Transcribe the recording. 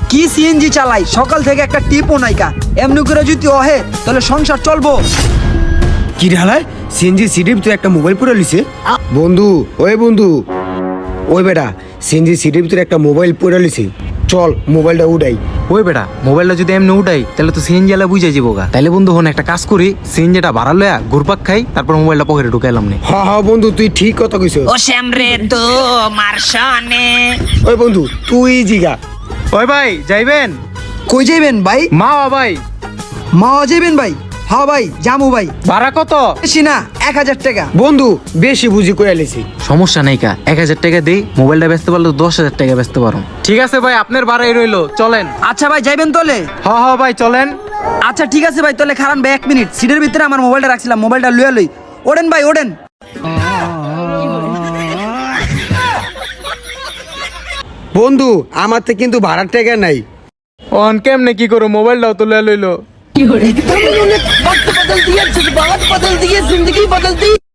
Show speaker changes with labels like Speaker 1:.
Speaker 1: কি সিএনজি চালাই, সকাল থেকে একটা টিপও নাইকা। এমনি করে যদি অহে তাহলে সংসার চলবো?
Speaker 2: কি ঢালায় সিএনজি সিডিপ তুই একটা মোবাইল পরে লিছে বন্ধু। ওই বেটা সিএনজি সিডিপ তুই একটা মোবাইল পরে লিছে, চল মোবাইলটা উঠাই।
Speaker 3: ওই বেটা মোবাইলটা যদি এমনি উঠাই তাহলে তো সিএনজি আলা বুঝে যাবো গা। তাহলে বন্ধু হন একটা কাজ করি, সিএনজিটা ভাড়া লয়া ঘুরপাক খাই, তারপর মোবাইলটা পকেটে ঢুকাইলাম নে।
Speaker 2: হ্যাঁ বন্ধু তুই ঠিক কথা কইছ।
Speaker 4: ও শ্যামরে তো মারশনে।
Speaker 2: ওই বন্ধু তুই জিগা।
Speaker 3: ওই ভাই যাইবেন?
Speaker 1: কই যাইবেন ভাই?
Speaker 3: মা ভাই
Speaker 1: মা যাইবেন ভাই? হ্যাঁ ভাই জামু ভাই।
Speaker 3: ভাড়া কত?
Speaker 1: বেশি না, 1000 টাকা।
Speaker 2: বন্ধু বেশি বুঝি কইয়া লিছি।
Speaker 3: সমস্যা নাই কা, 1000 টাকা দেই, মোবাইলটা বেচতে পারলে 10,000 টাকা বেচতে পারো। ঠিক আছে ভাই, আপনার ভাড়াই রইলো, চলেন।
Speaker 1: আচ্ছা ভাই যাইবেন তোলে?
Speaker 3: হ্যাঁ ভাই চলেন।
Speaker 1: আচ্ছা ঠিক আছে ভাই, তাহলে খারান ভাই 1 মিনিট। সিটের ভিতরে আমার মোবাইলটা রাখছিলাম, মোবাইলটা লইয়া লই। ওড়েন ভাই ওড়েন।
Speaker 2: বন্ধু আমার তো কিন্তু ভাড়ার টাকা নাই।
Speaker 3: অন কেমনে কি করো, মোবাইলটাও তো লইলো।
Speaker 4: वक्त बदल दिया, जज्बात बदल दिए, जिंदगी बदल दी।